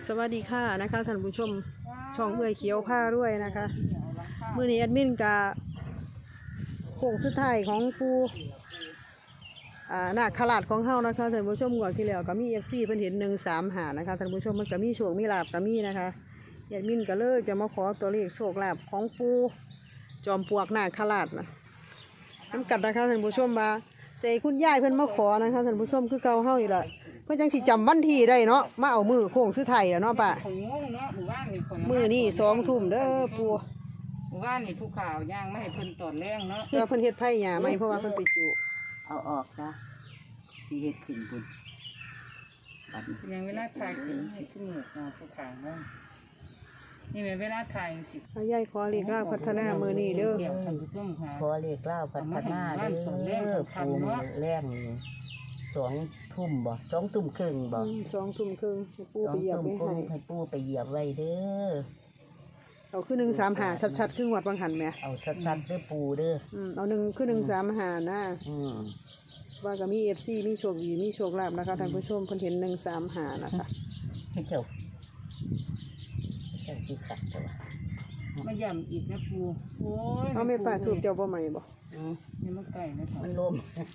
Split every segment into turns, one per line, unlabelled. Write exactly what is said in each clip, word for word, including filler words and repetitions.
สวัสดีค่ะนะคะท่านผู้ชมช่องเอื้อยเขียวผ้าด้วยนะคะมื้อนี้แอดมินกะโค้งสุดท้ายของปูอ่านาคราชของเฮานะคะท่านผู้ชมงวดที่แล้วก็มี เอฟ ซี เพิ่นเห็นหนึ่งสามห้านะคะท่านผู้ชมมันก็มีโชคมีลาภก็มีนะคะแอดมินก็เลยจะมาขอตัวเลขโชคลาภของปูจอมปลวกนาคราชนะน้ำกัดนะคะท่านผู้ชมมาใจคุณยายเพิ่นมาขอนะคะท่านผู้ชมคือเก่าเฮาอยู่ละเพื่อจังสิจำวันที่ได้เนาะมาเอามือโค้งสุดท้ายแล้วเนาะป้ามือนี่สองทุ่มเด้อปู
หมู่บ้านนี่ผู้ข่าวย่างไม่ให้เพิ่นตอดแรงเนาะ
เพื่อเพิ่นเฮ็ดไผ่หญ้าไหมเพราะว่าเพิ่นไปจุ
เอาออกนะที่เฮ็ดขึ้นบุญบัดนี้
ยังเวลาถ่ายขึ้นให้ขึ้นเหนือผู้ข่าวเนาะนี่เป็นเวลาถ่ายสิ
ยายขอเรียกร่างพัฒนามือนี่เด้อ
ขอเรียกเล่าพัฒนาเด้อปูมือแรงสองทุ่มบ่สองทุ่มครึ่งบ่
สองทุ่มครึ่งให้ปูไปเหยียบไว้ให้
ให้ปูไปเหยียบไว้เด้อ
เอาคือหนึ่งสามหาชัดๆครึ่งวัดบางหันไหม
เอาชัดๆเด้อปูเด้อ
อืมเอาหนึ่งคือหนึ่งสามหานะอืมว่าก็มีเอฟซีมีโชคดีมีโชคลาภนะคะท่านผู้ชมเพิ่นเห็นหนึ่งสามหานะคะ
ให้เจ้าเจ้าที่ขัดตัว
มาย่ำอีกนะปูโอ้ย
เอาไม่ป่าถูกเจ้าบ่ใหม่บ่
อืมนี่มันไก่นะ
มันลม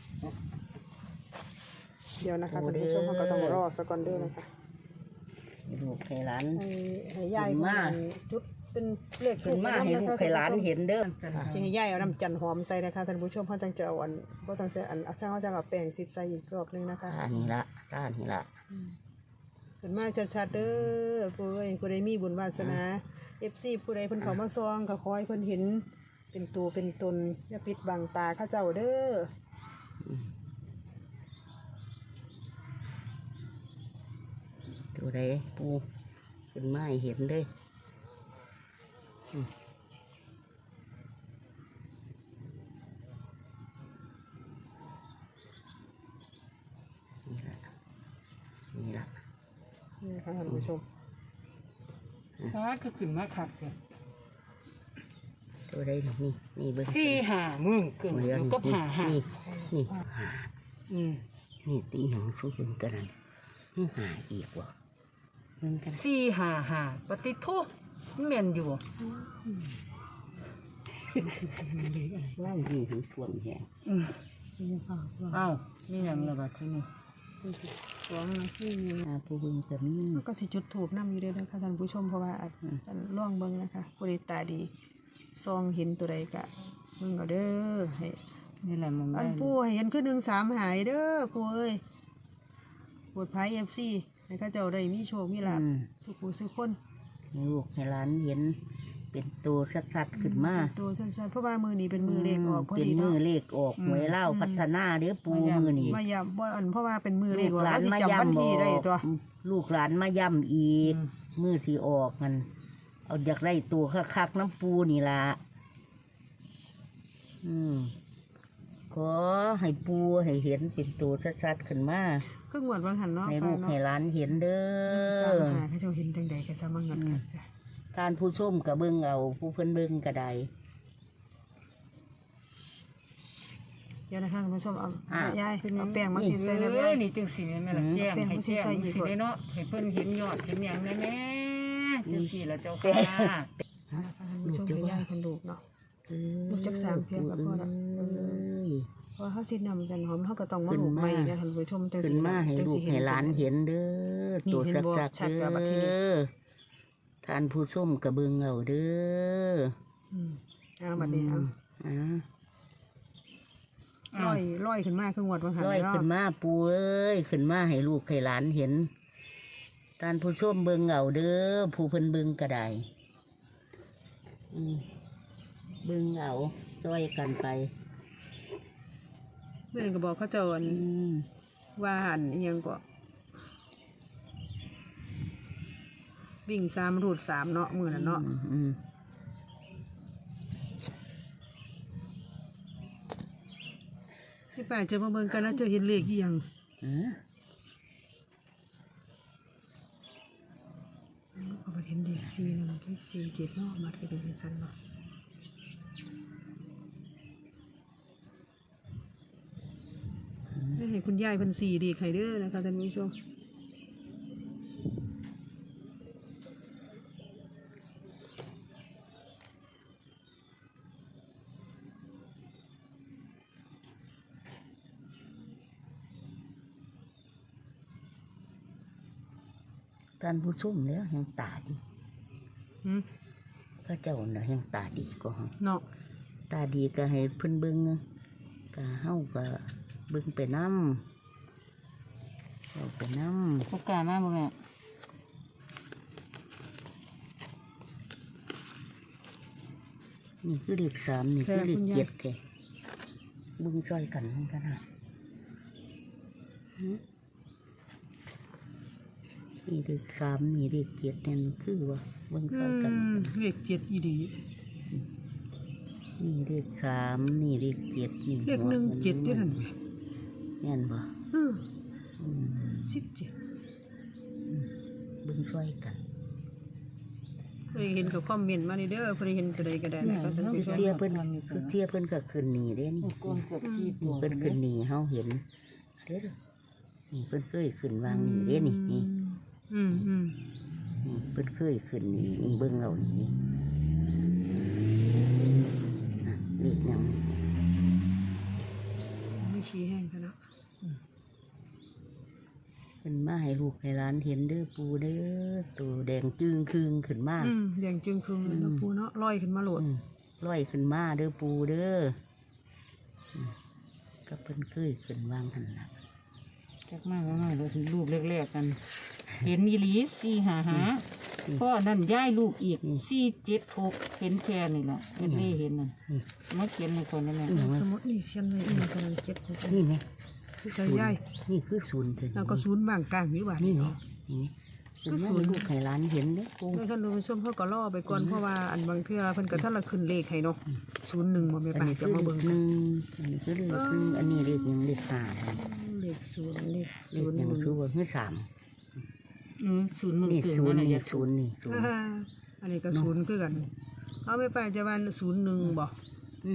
เดี๋ยวนะคะท่านผู้ชมเขาก็ต้องรอสักก่อนเด้อนะคะ
ลูกให้หลาน
ให้ให้ยายมาจุดเป็นเลข
ถูกมาให้ลูกให้หลานเห็นเด้อ
ให้ยายเอาน้ำจันหอมใส่นะคะท่านผู้ชมเขาจังจะเอาอันเพราะต้องใส่อันข้างเขาจะเอาแป้งซิดใส่อีกรอบนึงนะคะ
อันนี้ละด้านนี้ละ
เห็นมาชัดๆเด้อผู้ใดผู้ใดมีบุญวาสนาเอฟซีผู้ใดเพิ่นเขามาซองก็ขอให้เพิ่นเห็นเป็นตัวเป็นตนอย่าปิดบังตาข้าเจ้าเด้อ
ตัวใดปูขึ้นมาให้เห็นเลยนี่ละนี่ละ
นี่ค่ะท่านผู้ชม
ฮาก็ขึ้นมาขัดเลย
ตัวใดนี่นี่เบิ้ง
สี่หามึงเกิดก็หาหา
นี่นี่หา
อืม
นี่ตีหนังสู้กันกันนั่นหาอีกว่ะ
สี่หาหาปฏิทุกเมียนอยู่
ว่างดีถึงส่วนแห่ง
อ้าวนี่ยังระบาดที่นี่
สองนะที่มี
ผู้บึงจะมี
ก็สิจุดถูกน้ำอยู่ด้วยนะคะท่านผู้ชมเพราะว่าล่องเบิ้งนะคะบริตาดีซองเห็นตัวใดกะมึงก็เด้อให้
นี่แหละมึง
อันผู้ให้เห็นขึ้นหนึ่งสามหายเด้อผู้เอ้ยปวดไพ่เอฟซีให้ข้าเจ้าได้มีโชคมีลาภสุขสุขคน
ลูกให้หลานเห็นเป็นตัวชัดๆขึ้นมา
ตัวสั้นๆเพราะว่ามือนี้เป็นมือเลขออก
เป็นมือเลขออกหวยเล่าพัฒนาเด้อปูมือนี้
มาย้ำบ่อันเพราะว่าเป็นมือเลขออกแล้วสิจำวันที่ได้ตัว
ลูกหลานมาย่ำอีกมือที่ออกมันเอาอยากได้ตัวคักๆน้ำปูนี่ละอืมขอให้ปูให้เห็นเป็นตัวชัดๆขึ้นมา
ครึ่งวันบางหันเนาะ
ให้ลูกให้หลานเห็นเด้อ
ให้เจ้าเห็นจังใดก็สามารถเงินกัน
การผู้ส้มกับเบิ้งเอาผู้เพิ่นเบิ้งกระได
เดี๋ยวนะคะคุณผู้ชมเอายายเอาแป้งมาสีใส่
เลยนี่จึงสีนี่แม่ละแจ้งให้แจ้งสีได้เนาะให้เพิ่นเห็นยอดเห็นอย่างแน่แน่จึงสีแล้วเจ้าค่ะ
คุณผู้ชมให้ยายคนลูกเนาะลูกจักสามเพียงกับพ่อละเพราะเขาสินำกันหอมเขาก็ต้องมาลูกใหม่นะท่านผู้ชม
ขึ้นมาให้ลูกให้หลานเห็นเด้อตัวชัดๆเด้อท่านผู้ส้มกระเบื้องเอาเด้อ
เอาบัดนี้เอาลอยลอยขึ้นมาขึ้นวัดบางหัน
ลอยขึ้นมาปูเอ้ยขึ้นมาให้ลูกให้หลานเห็นท่านผู้ส้มเบื้องเอาเด้อผู้เพิ่นเบื้องกระไดเบื้องเอาลอยกันไป
เมื่อก็บอกเขาเจ้าว่าหันยังก็วิ่งสามรูดสามเนาะมือน่ะเนาะที่ป่าจะมาเบิ่งกันแล้วจะเห็นเลขยังเอาไปเห็นเด็กสี่หนึ่งที่สี่เจ็ดเนาะมาที่เป็นสั้นเนาะให้คุณยายพันสี่ดีใครเด้อนะคะท่านผู้ชม
ท่านผู้ชมแล้วยังตาดี
หืม
พระเจ้าน่ะยังตาดีก็เฮา
เนาะ
ตาดีก็ให้เพิ่นเบิ่งก็เฮาก็เบิ่งไปนำเอาไปนำ
พวกกล้ามาบ่แม่
นี่คือเลขสามนี่คือเลขเจ็ดแท้เบิ่งช่วยกันมันกันนะหือนี่เลขสามนี่เลขเจ็ดนี่มันคือว่าเบิ่ง
อื
ช่วยกัน
มเลขเจ็ดอีดี
นี่เลขสามนี่เลขเจ็ดนี่
เลขหนึ่งเจ็ดด้วยนั่นแหละ
แม่นบ่
อืม
อืม
สิบเจ็ด
เบิ่งช่วยกัน
เคยเห็นกับคอมเมนต์มานี่เด้อเคยเห็นตัวใดก็ได้นะคะท่าน
คือ
ผู้ชม
เทียเพิ่นคือเทียเพิ่นก็ขึ้นนี่เด้นี่
กวงเกือบสี่ตัว
เพิ่นขึ้นนี่เฮาเห็นเด้อนี่เพิ่นเคยขึ้นวางนี่เด้นี่นี่
อืมอืม
นี่เพิ่นเคยขึ้นนี่นี่เบิ่งเอานี่น่ะเลขหยังนี่
ไม่ชี้แห้งกันเนาะ
เพิ่นมาให้ลูกให้หลานเห็นเด้อปู่เด้อตัวแดงจึงครึงขึ้นมา
อืมแดงจึงครึงเลยเนาะปูเนาะลอยขึ้นมาโหลด
อืมลอยขึ้นมาเด้อปู่เด้ออืมก็เพิ่นเคยขึ้นวางหั่นล่ะ
จักมากมากเราถึงลูกแรกๆกัน เห็นอีหลีสี่หาหาพ่อนั่นย้ายลูกอีกสี่เจ็ดหกเห็นแค่นี่แหละเห็นไม่เห็นน่ะมาเขียนในคนนั่นแหละ
นี่หยัง
ส
วะ
มมตินี่เขียนไว้อีกกำลังเจ็ดหก
นี่ไหม
คือใส่ย่าย
นี่คือศูนย์เถิด
แล้วก็ศูนย์บางกลางอยู่บ้าน
นี่
นี่
ไง
เนาะ
นี่คือศูนย์ลูกไข่ร้านเห็นเด้อปู
โดยท่านผู้ชมเขาก็ล่อไปก่อนเพราะว่าอันบางเทื่อเพิ่นก็ท่านละขึ้นเลขให้เนาะศูนย์หนึ่งบ่แม่
อัน
ป้า
นี้
จะ
คือ
มา
เล
เบิ่ง
ขหนึ่งอันนี้คือเลขหนึ่งอันนี้เลขหยังเลขห้าครับ
เลขศูนย์เลข
เล
ศู
ข
นย์
หยัง
หนึ่ง
คือว่าคือสาม
อืมศูนย์มึง
นี่
เกิด
ศูน
มา
ย์
ไหน
นี่
ยะ
ศูนย์นี่ศูนย์
อ่าอันนี้ก็ศูนย์คือกันเอาไม่ไปจะวันศูนย์หนึ่งบ่
อืม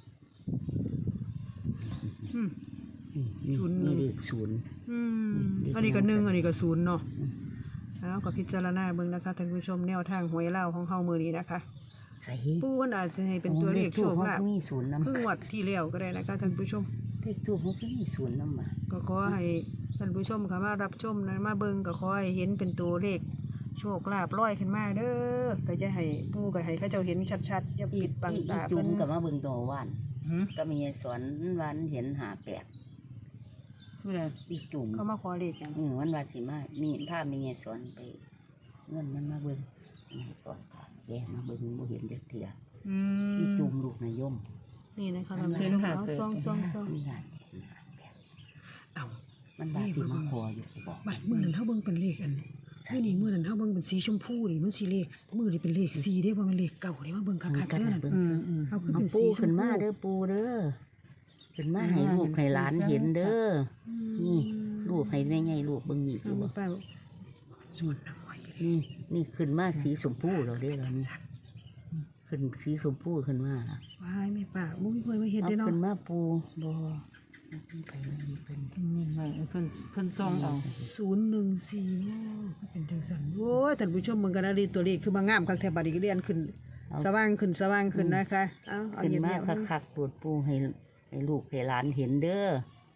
อืม
นี่นี่
ศูนย์หนึ่
นี่
ง
เลขศูนย์
อืมอันนี้ก็หนึ่งอันนี้ก็ศูนย์เนาะแล้วก็พิจารณาเบิ่งนะคะท่านผู้ชมแนวทางหวยเล่าของเฮามื้อนี้นะคะ
ใส่
ปู่มันอาจจะให้เป็นตัวเลขโช
ทูบ
ค
เขา
ลาภ
ก็มีศูนย์นำ
เพิ่งวัดที่แล้วก็ได้นะคะท่านผู้ชม
เลขทูบเขาก็มีศูนย์นำมา
ก็ขอให้ท่านผู้ชมค่ะมารับชมนะมาเบิ่งก็ขอให้เห็นเป็นตัวเลขโชคลาภลอยขึ้นมาเด้อก็จะให้ปู่ก็ให้เขาเจ้าเห็นชัดๆอย่า
อี
ปิดบัง
อี
ตา
จุ่
เพิ่
ม
น
กับมาเบิ่งตัวว่าน
หืม
ก็มีสอนวันเห็นหาแปด
เมื่อไหร่
อีจุ่ม
เขามาขอเลขหยัง
อืมวันวาสิมามีถ้ามีไงสอนไป เงินมันมาเบิ่งมีสอนผ่านแกมาเบิ่งบ่เห็นจักเถีย
อื
อี
ม
จุ่มลูกนายม
นี่นะคะท่านผู้
เห็
ช
น
ม
หา
เอา
เกิด
ซองซองซอง
มีงานเห็นหาแปด
เอ้า
มันบาสิมาคออยู่บอก
บัดมื้อนั้นเฮาเบิ่งเป็นเลขอันมื้อนี้มื้อนั้นเฮาเบิ่งเป็นสีชมพูนี่มันสิเลขมื้อนี้เป็นเลขสีเด้บ่แม่นเลขเก่าเด้มาเบิ่งคักๆเด้อนั่น
อืมอืม
เอาขึ้น
เอา
เป็น
ปู
สีช
ขึ้
ม
น
พู
มาเด้อปูเด้อขึ้นมาให้ลูกให้หลานเห็นเด้อนี่ลูกให้แม่ใหญ่ลูกเบิ่งนี่
เอา
ดู
มา
บ่
เป้าส่วนน้อย
นี่นี่ขึ้นมาสีชมพูเราเด้อเรานี่ขึ้นสีชมพูขึ้นมาล่ะ
วายแม่ป้าบ่มีคนมาเฮ็ด
เอา
เด้เนาะ
ขึ้นมาปูบ่ไปนี่เป็น
นี่ไงเพิ่นเพิ่นซองเอา
ศูนย์หนึ่งสี่ก็เป็นจังซั่นโอ้ยท่านผู้ชมเบิ่งกันนะดีตัวเลขคือมางามคักแท้บัดนี้ก็เรียนขึ้น สว่างขึ้นสว่างขึ้นนะคะเอาเอา
ขึ้น
เงียบ
มา
ๆเบิ่ง
คักๆปวดปูให้ให้ลูกให้หลานเห็นเด้อ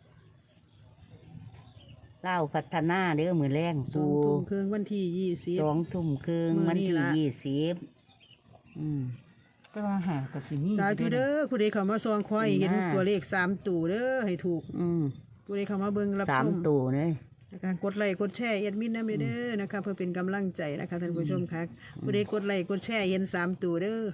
เล่าวพัฒนาเด้อมือแรง
สอ
ปู
งทุ่มครึ่งวันที่ยี่สิบ
สองทุ่มครึ่ง
มื้อ
วัน
นี้
ที่
ล่ะ
ยี่สิบอืม
ก็ว่าหากับสินี่
สาธุเด้อผู้ใดเข้ามาซองคอยเห็น
ดีมาก
ตัวเลขสามตัวเด้อให้ถูก
อืม
ผู้ใดเข้ามาเบิ่งรับ
สา
ช
ม
ม
ตัวเลย
นะคะกดไลค์กดแชร์แอดมินนำเด้อนะคะเพื่อเป็นกำลังใจนะคะท่านผู้ชมค่ะผู้ใดกดไลค์กดแชร์เห็นสามตัวเด้อ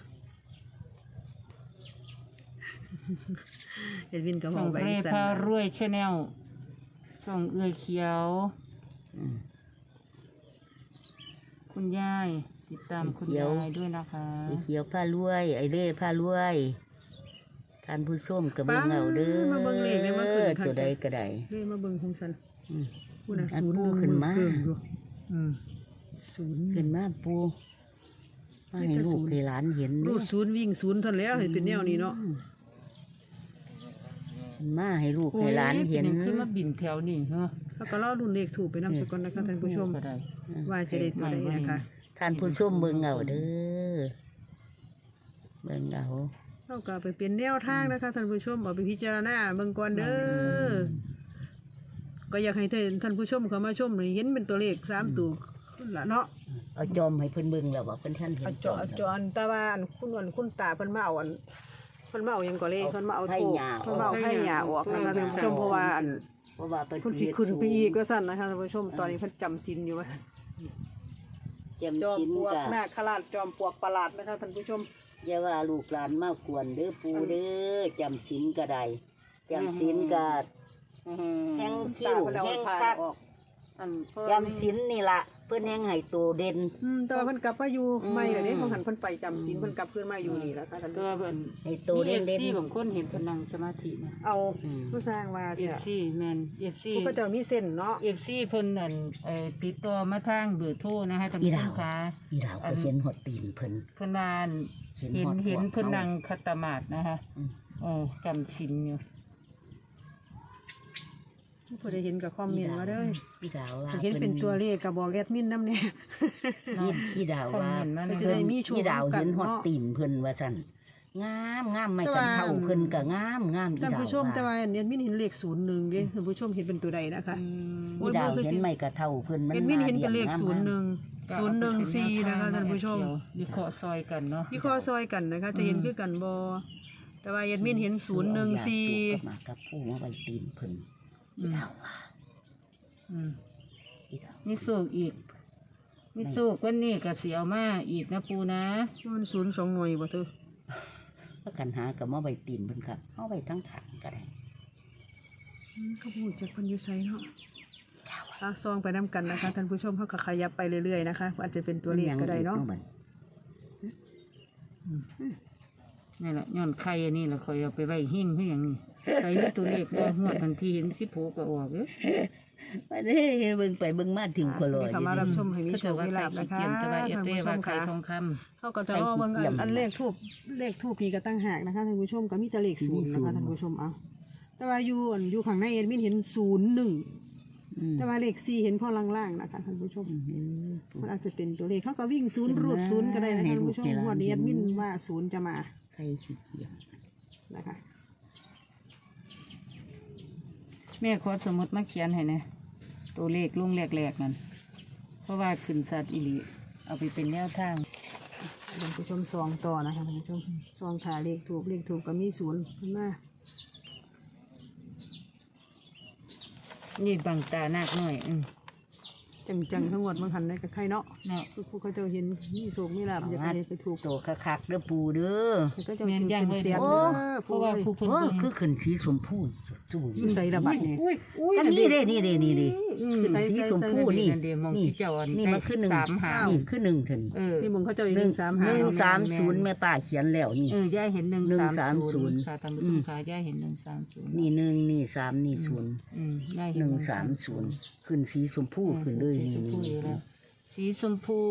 แอดมินก็บ
ส่
อก
ง
ไป
เร
สั่น
พา
นะ
รวยชาแนลส่งเอื้อยเขียว
อืม
คุณยายติดตามคุณ
เขียว
ยายด้วยนะคะ
ไอ้เขียวผ้ารวย ไอ้เล่ผ้ารวยท่านผู้ชมกับเบิ่งเอาเด้อ
มาเบิ่งเลขได้มาขึ้นคัก
ตัวใดก็ได้
เด้มาเบิ่งของฉัน
อืม
ผู้น่ะ
อัน
ศูนย์
ปู
หนึ่ง
ขึ้นมา
เบิ่งอยู่อืมศูนย์
ขึ้นมาปูมาให้ลูกให้หลานเห็น
รู
เด้อ
ดศูนย์วิ่งศูนย์เท่านนแล้วให้เป็นแนวนี้เนาะ
ขึ้นมาให้ลูกให้หลานเห็น
โอ้ยป็ขึ้นมาบินแถวนี่เหรอ
แล้วก็รอรุ่นเลขถูกไปนำสกอนนะคะท่านผู้ชม
ก็ได้
ว่าจะได้ตัวใดนะคะ
ท่านผู้ชมเบิ่งเอาเด้อเบิ่งเอา
เราก็ไปเป็นแนวทางนะคะท่านผู้ชมเอาไปพิจารณาเบิ่งก่อนเด้อก็อยากให้ท่านผู้ชมเข้ามาชมหน่อยเห็นเป็นตัวเลขสามตัวนั่นล่ะเนาะ
เอาจอมให้เพิ่นเบิ่งแล้วว่าเพิ่นท่านเห็
เอา
น
จอจอนแต่ว่าอันคุณอันคุณตาเพิ่นมาเอาอันเพิ่นมาเอาหยังก็เลยเพิ่นมาเอาโทษเพิ่นมาเอาไผ่หญ้าออกนะคะท่านผู้ชมเพราะว่าอัน
เพราะว่าเพิ่น
เพิ่นสิขึ้นไปอีกว่าซั่นนะคะท่านผู้ชมตอนนี้เพิ่นจำศีลอยู่ว่า
จำ
จอม
ศีล
ปลวก
ก็
นาคราชจอมปลวกประหลาดนะคะท่านผู้ชม
อย่าว่าลูกหลานมากวนเด้อปู่เด้อจำศีลก็ได้จำศีลก็แห่ง
คุณ
คิ
ตาว เพิ่นเอา
แห่ง
ผ้า
คัก
ออก
อันพ่อ
จำศีลนี่ล่ะเพิ่นแห่งให้โตเด่น
อืมแต่ว่าเพิ่นกลับมาอยู่ใหม่แล้วเด้ของหันเพิ่นไปจำศีลเพิ่นกลับคืนมาอยู่นี่แล้วค่ะท่าน
ตั
ผู้
ว
ชม
เป็น
ให้โต
มี
เด่
เอน ฟ
เด่น
ซีบางคนเห็นเพนนังสมาธินะ
เอา
อืม
ผู้สร้างว่า
เอ
เนี่ย
ฟซีแมนเอฟซี
ผู้ก็จะมีเส้นเนาะ
เอฟซีเพิ่นนั่นเอ่อติดต่อมาทางเบอร์โทรนะคะท่านผู้ชมคะ
อีดาวก็เห็นหดตีนเพิ่น
เพิ่นว่าอั่น
เห็น
เห็น
ฮอด
เห็น
หัว
เพิ่น
เขา
นั่งคัตตมาดนะคะ
อืม
เออจำศีลอยู่
ผู้ใดเห็นก็คอมเมนต์มาเด้อ
อีดาวว่า
ถ้าเห็นเป็นตัวเลขก็บอกแอดมินนำแน่
อีอีดาวว่า
คอมเมนต์มา
ก็
ใน
สิได้มีโชค
อีดาวเห็นหด
เนาะ
ตีนเพิ่นว่าซั่นงามงามไม่
แต่
กัน
ว่า
เท่าเพิ่นก็งามงามอี
ท่าน
ดาว
ผู้ชมแต่
ว่า
ว่าแอดมินเห็นเลขศูนย์หนึ่งเด้ท่านผู้ชมเห็นเป็นตัวใดนะคะ
อืม
อีดาวเห็นไม่กระเท่าเพิ่นมัน
แอดมินเห็นเป็นเลข
มา
ศูนย์หนึ่ง
ก็
ศูนย์หนึ่งสี่นะคะท่านผู้ชม
วิเคราะห์ซอยกันเนาะ
วิเคราะห์ซอยกันนะคะ จะเห็นคือกันบ่แต่ว่าแอดมินเห็นศูนย์หนึ่งสี่
เอายาสูบมากับผู้มาไว้ตีนเพิ่นอีดาวว่า
อืม
อีดาว
มีสูกอีกมีสูกวันนี้ก็เสียวมาอีกนะปูนะ
มันศูนย์สองหน่วยบ่เธอ
ประกันหากับมาไว้ตีนเพิ่นครับเอาไว้ทั้งถังก็ได้
อืมเขาพูดจากคนอยู่ไสเนาะลากซองไปน้ำกันนะคะท่านผู้ชมเขาก็ขยับไปเรื่อยๆนะคะอาจจะเป็นตัวเลขก็ได้เนาะ
บัด
นี่แหละย้อนไข่อันนี้แหละคอยเอาไปไว้หิ้งเพื่ออย่างนี้ไข่นี่ตัวเลขก็หัวทันทีเห็นสิโผก็ออกเด้อ
บัดนี้เบิ่งไปเบิ่งมาถึงคนลอย
นี่ค่ะมารับชมให้มี
เขา
โช
จะ
ค
ว่า
มี
ไข่
ลาบนะ
ขี้
คะ
เกียจจะว่าเอ
ท่าน
เต้
ผู้ช
ว่าม ไข่
ค่ะ
ทองค
เขาก็จะรอเบิ่งอันอันเลขทูบเลขทูบนี่ก็ตั้งหากนะคะท่านผู้ชมก็มีแต่เลขศูนย์นะคะท่านผู้ชมเอาแต่ว่าอยู่อันอยู่ข้างในเอ็ดมินเห็นศูนย์หนึ่ง
อืม
แต่ว่าเลขสี่เห็นพอล่างๆนะคะท่านผู้ชมมันอาจจะเป็นตัวเลขเขาก็วิ่งศูนย์รูดศูนย์ก็ได้นะคะท่านผู้ชมงวันนี้เอ็ดมินว่าศูนย์จะมา
ใครขี้เกียจ
นะคะ
ำแม่ขอสมุดมาเขียนให้นะตัวเลขลุงแหลกๆนั่นเพราะว่าขึ้นสัตว์อิริเอาไปเป็นแนวทาง
ท่านผู้ชมซองต่อนะคะท่านผู้ชมซองขาเลขถูกเลขถูกก็มีศูนย์ขึ้นมา
นี่บังตานักหน่อยอืม
จังๆทั้งหมดบางหันได้กับใครเนาะ
เนาะ
คือผู้เขาเจะเห็นมีโศกมีลาบอยากไปไปถูก
โตคักๆเด้อปูเด้อ
ก็จะถือเป็นเสียน
โอ้
เด้อ
เพ
ผู้
ราะว่า
เอ้ย
ผู้เพิ่น
โอ้
เบิ่ง
คือขึ้นสีชมพูจู่
อยู่ใส่ระบัดนี่
อุ้ยอุ้ย
อันนี้เด้นี่เด้นี่เด้
อืม
ขึ้นสีชมพูนี่
เดี๋ยวมอง
นี่
ที่เจ้าอัน
นี่มันคือหนึ่ง
สามหา
นี่คือหนึ่งถึง
เออ
นี่มึงเขาเจะอยู่
ห
ห
นึ่
นึ่
ง
งสาม
ห
หา
นึ่ง
เนาะ
สามศูนย์แม่ป้าเขียนแล้วนี่
เออย่าเห็นหนึ่ง
หนึ่ง
สาม
สาม
ศูนย์
ศูนย์
ค่ะท่านผู้
อื
ชม
ม
ค่ะย่าเห็นหนึ่งสามศูนย์
นี่หนึ่งนี่สามนี่ศูนย์
อืมย่าเห็
ห
น
นึ่งสามศูนย์ขึ้นสีชมพูขึ้นเลย
สี
นี่
ชมพู
นี่
อยู่แล้วสีชมพู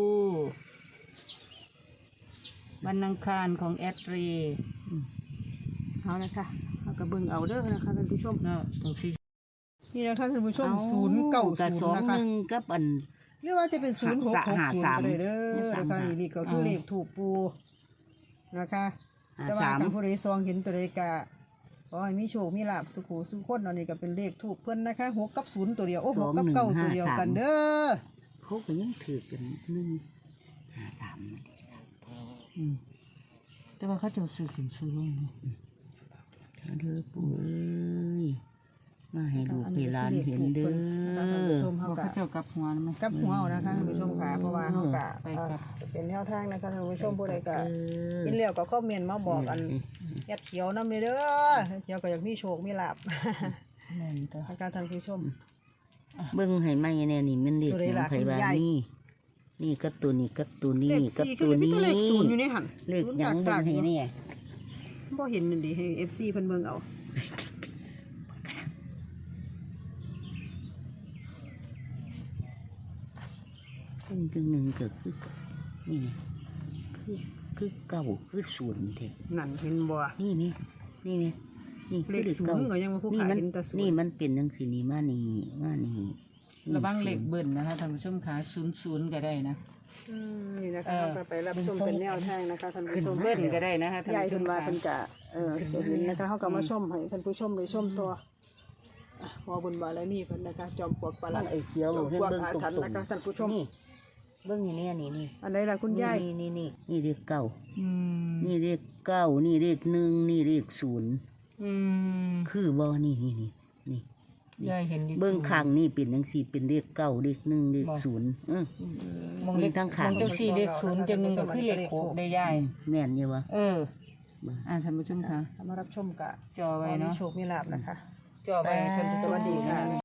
วันอังคารของแอดรี
เอานะคะเอากระเบื้องเอาเด้อนะคะท่านผู้ชม
เนาะตรงสี
นี่นะคะท่านผู้ชม
เอา
ศูนย์เก้า
กับ
ศู
สอน ง
ย์นะคะ
หนึ่งกับอัน
หรือว่าจะเป็นศูนย์หกหกศูนย์ก็ได้เด้อ
หา
นะ
สาม
คะนี่ก็คือเลขถูกปูนะคะ
หา
แต่ว่า
สาม
คันผู้ใดซองเห็นตัวใดกะขอให้มีโชคมีลาบสุขสุขคนอันนี้ก็เป็นเลขถูกเพิ่นนะคะหกกับศูนย์ตัวเดียวโอ้หกกับเก้าตัวเดียวกันเด้อ
เขาก็ยังถือกันหนึ่งหาสาม
อืมแต่ว่าเขาจะซื้อขึ้นซื้อลงเนาะ
เด้อปู่เอ้ยมาให้ลูกให้หลานเห็นเด้
ท่านผู้ช
อ
ม
เพ
เขา
ราะ
กะ
เขาเจ้ากลับหัวนะไหม
กับหัวเอานะคะท่านผู้ชมค่ะเพราะว่าเขากะ
ไปครับ
เอ่อเป็นแนวทางนะคะท่านผู้ชมผู้ใดกะ
เออ
กินแล้วก็คอมเมนต์มาบอกอันแอดเขียวนำเลยเด้อเขียวก็อยากมีโชคมีลาบ
แม่นตัว
นะคะท่านผู้ชม
เบิ่งให้ไหมแน่นี่มันเด็ก
ตัวใด
ขอ
ล่ะ
งไผบ้า
คุณยาย
นี่ นี่กับตัวนี้กับตัวนี้
เลข
กับ
สี่
ตั
คือ
ว
มี
นี้
ตัวเลขศูนย์อยู่ในหัน
เลขหยังเบิ่งให้เนี่ย
บ่เห็นนั่นดิให้ เอฟ ซี เพิ่นเบิ่งเอา
ขึ้นจึงหนึ่งก็คือนี่ไงคือคือเก้าคือศูนย์เถอะ
นั่นเห็นบ่
นี่นี่นี่นี่นี่
เล
คือ
ข
เลข
ศู
เก้าน
ย์ก็ยังว่าผู้
นี่
ขาย
มัน
เห็นแต่ศูน
นี่
ย์
มันเป็นจังสีนี่มานี่มานี่
ระวังเหล็กเบิ่นนะคะท่านผู้ชมขาศูนย์ศูนย์ก็ได้นะ
อืมนี่นะคะ
เออ
เราไปรับชมเป็นแนวทางนะคะท่านผู้ชม
เบิ่นก็ได้นะคะท่าน
ยาย
ผู้ช
เพิ่
ม
นว่า
ขา
เพิ่นจะเออจะเห็นนะคะเฮาก็มาชมให้ท่านผู้ชมได้ชมตัวอ่ะพอบุญบารมีเพิ่นนะคะจอมปลวกประห
มั
ลาน ด
ไอ้เขียว
จอม
ให้
ปลวก
เบิ่ง
อา
ตรง
ถรรพ์
ตร
นะ
ง
คะท่านผู้ชม
นี่เบิ่งนี่เนี่ยนี่นี่
อันใดล่ะคุณยาย
นี่นี่นี่นี่เลขเก้า
อืม
นี่เลขเก้านี่เลขหนึ่งนี่เลขศูนย์
อืม
คือบ่นี่นี่นี่นี่
ยายเห็นอยู่
เบื้องข้างนี่เป็นจังสี่เป็นเลขเก้าเลขหนึ่งเลขศูนย์เออ
มองเลข
ทั้งขาง
มองเจ้าสี่เลขศูนย์เจ้าหนึ่งก็คือเลขหกได้ยาย
แม่นอยู่วะ
เอออ่าท่านผู้ชมค่ะ
มารับชมกะ
จอไว้เนาะ
มีโชคมีลาภนะคะ
จอไว้ท่านผู้ชม
สวัสดีค่ะ